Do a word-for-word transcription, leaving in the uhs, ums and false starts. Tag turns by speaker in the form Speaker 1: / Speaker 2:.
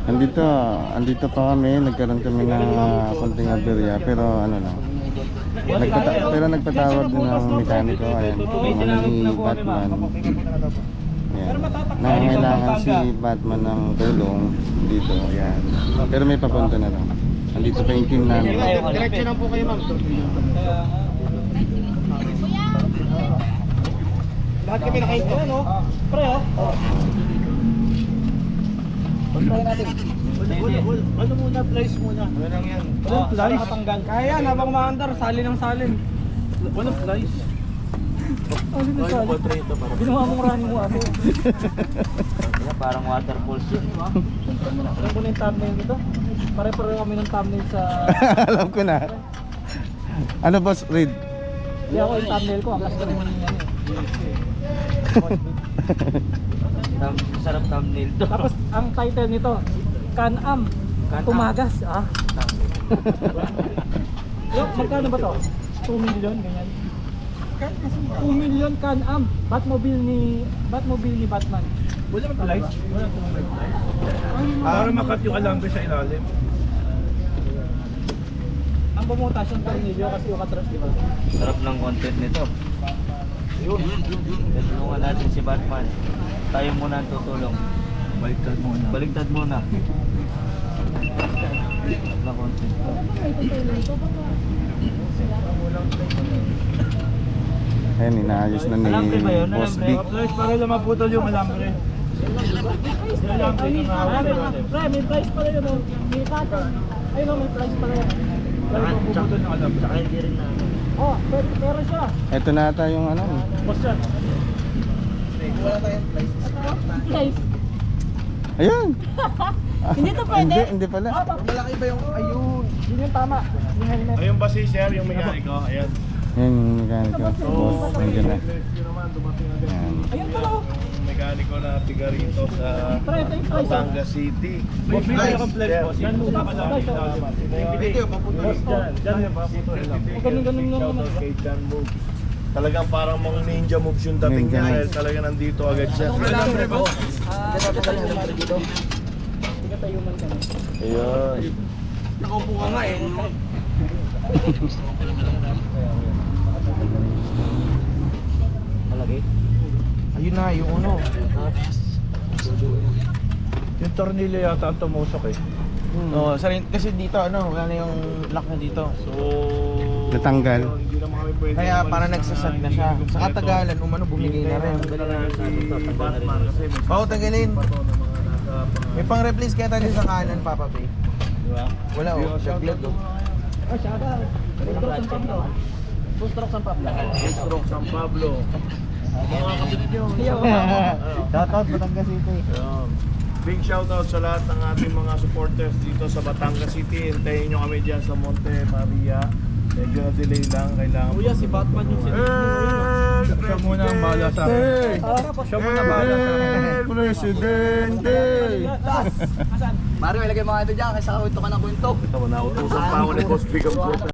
Speaker 1: Andito, andito pa kami, nagkaroon kami ng uh, konting aberya, pero ano lang. Nagpata pero nagpatawag din ng mekaniko, ayan, yung ano ni Batman. Ayan. Nangangailangan si Batman ng tulong dito, ayan. Pero may papunta na lang. Andito pa yung team namin.
Speaker 2: Diretso na po kayo, ma'am. Lahat kami nakahinto, no? Pre, oh. Puntahin natin. Ano muna, place muna. Walang yan. Walang place? Nakatanggal. Kaya, habang maandar, sali ng salin. Walang place. Ano na salin? Ginawa mong running mo ako.
Speaker 3: Parang waterfalls yun, di ba?
Speaker 2: Alam ko na yung thumbnail dito. Pare-pareho kami ng thumbnail sa...
Speaker 1: Alam ko na. Ano boss, Reed?
Speaker 2: Hindi ako yung thumbnail ko. Ang kasi ko naman yung ano eh.
Speaker 3: Tam sarap thumbnail to.
Speaker 2: Tapos ang title nito, Can-Am,
Speaker 3: Can-Am.
Speaker 2: Tumagas. Ah. Yo, magkano ba to? two million, ganyan. two million Can-Am, Batmobile ni Batmobile ni Batman.
Speaker 4: Wala kang lights? Wala kang lights? Para makat yung alambre sa ilalim.
Speaker 2: Ang bumutas yung tornilyo kasi yung katras, di ba?
Speaker 3: Sarap ng content nito.
Speaker 4: Yun.
Speaker 3: Tulungan natin si Batman. Tayo muna ang tutulong.
Speaker 4: Baliktad muna.
Speaker 3: Baligtad muna. Sarap ng content to.
Speaker 1: Ayan, inaayos na ni
Speaker 3: Alambre ba yun?
Speaker 1: Boss
Speaker 3: Alambre?
Speaker 1: Vic.
Speaker 4: Flash, para lang maputol yung alambre. Yung alambre yung nahawak yung alambre.
Speaker 2: Pre, may price pala yun. oh. May kata. Ayun oh, may price pala yun.
Speaker 4: Para mapuputol yung alambre.
Speaker 3: Saka hindi rin na ano.
Speaker 2: Oh, pero, pero siya.
Speaker 1: Ito na ata yung ano.
Speaker 4: Boss yan.
Speaker 2: Price.
Speaker 1: Ayan.
Speaker 2: Hindi to pwede?
Speaker 1: Hindi, hindi pala.
Speaker 2: Malaki ba yung ayun? Yun yung tama. Yung helmet.
Speaker 4: Ayun ba si Sir, yung mekaniko? Ayan.
Speaker 1: Yan yung mekaniko. Boss, nandiyan na.
Speaker 4: Yun naman, dumating agad.
Speaker 1: Ayan.
Speaker 2: Ayun pala oh.
Speaker 4: Yung mekaniko na tiga rito sa
Speaker 2: Pre, ito yung price. oh.
Speaker 4: Batangas City. Boss, may kaya kang flex, boss. Yan muna ka lang. Video, maputol. Dyan, dyan yung maputol lang.
Speaker 2: Ganun-ganun lang naman.
Speaker 4: Shoutout kay John Moog. Talagang parang mga ninja moves yung dating
Speaker 1: Ninja
Speaker 4: niya dahil
Speaker 1: moves.
Speaker 4: talaga nandito agad siya.
Speaker 2: Alambre ba? Ah, dito. Hindi tayo man kami.
Speaker 4: Ayun.
Speaker 2: Nakaupo ka nga eh.
Speaker 3: Malaki?
Speaker 5: Ayun na, yung ano.
Speaker 4: Yung tornilyo yata ang tumusok eh.
Speaker 5: No, sarin, kasi dito ano, wala na yung lock na dito.
Speaker 4: So,
Speaker 1: Natanggal.
Speaker 4: Hindi naman kami pwede.
Speaker 5: Kaya
Speaker 4: umalis
Speaker 5: parang
Speaker 4: na
Speaker 5: nagsasag na siya.
Speaker 4: hindi
Speaker 5: Sa
Speaker 4: kumpleto.
Speaker 5: katagalan, umano bumigay na rin.
Speaker 4: Si Batman kasi may
Speaker 5: Oo, tanggalin.
Speaker 4: bato na mga nasa
Speaker 5: May pang-replace kaya tayo sa kanan, Papa P.
Speaker 3: Diba?
Speaker 5: Wala oh, shotgun oh.
Speaker 2: Oh, siya ba? Full stroke San Pablo.
Speaker 4: Full stroke San Pablo. Mga kapatid nyo.
Speaker 5: Shoutout, Batangas City.
Speaker 4: Ayun. Big shoutout sa lahat ng ating mga supporters dito sa Batangas City. Hintayin nyo kami dyan sa Monte Maria. Medyo na-delay lang. Kailangan
Speaker 2: Kuya, si Batman yung
Speaker 4: Eh, siya muna ang bahala sa akin. Siya muna bahala sa akin.
Speaker 1: Presidente!
Speaker 2: Asan?
Speaker 3: Mario, ilagay mo nga ito dyan kasi sa kwento ka ng kwento.
Speaker 4: Ito, nautusan pa ako ni Boss Big of